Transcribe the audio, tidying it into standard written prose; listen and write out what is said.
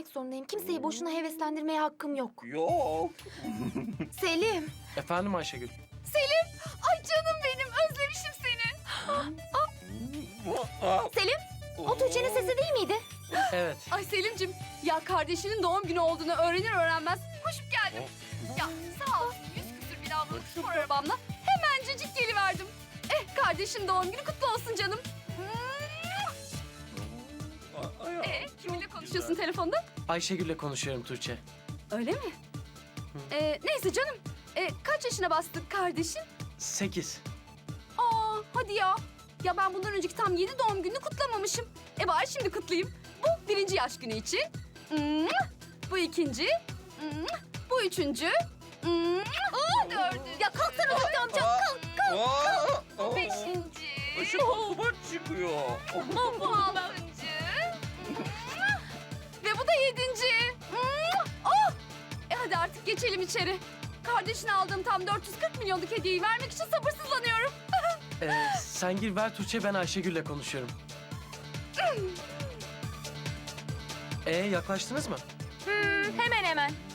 söylemek zorundayım. Kimseyi boşuna heveslendirmeye hakkım yok. Yok. Selim. Efendim Ayşegül. Selim. Ay canım benim. Özlemişim seni. Selim. O Tuğçe'nin sesi değil miydi? Evet. Ay Selim'cim, ya kardeşinin doğum günü olduğunu öğrenir öğrenmez koşup geldim. Ya sağ olsun 100 küsür bin avlılık spor arabamla hemencecik geliverdim. Kardeşin doğum günü kutlu olsun canım. Kiminle konuşuyorsun telefonda? Ayşegül'le konuşuyorum Tuğçe. Öyle mi? Neyse canım. Kaç yaşına bastık kardeşin? 8. Aa hadi ya. Ya ben bundan önceki tam 7 doğum gününü kutlamamışım. Bari şimdi kutlayayım. Bu 1. yaş günü için. Bu 2. Bu 3. Bu 4. Ya kalksana Zühtü amca. Kalk. 5. Işık duman çıkıyor. Bu 6. Ve bu da 7. Oh! Hadi artık geçelim içeri. Kardeşine aldığım tam 440 milyonluk hediyeyi vermek için sabırsızlanıyorum. Sen gir ver Tuğçe, ben Ayşegül'le konuşuyorum. Yaklaştınız mı? Hemen hemen.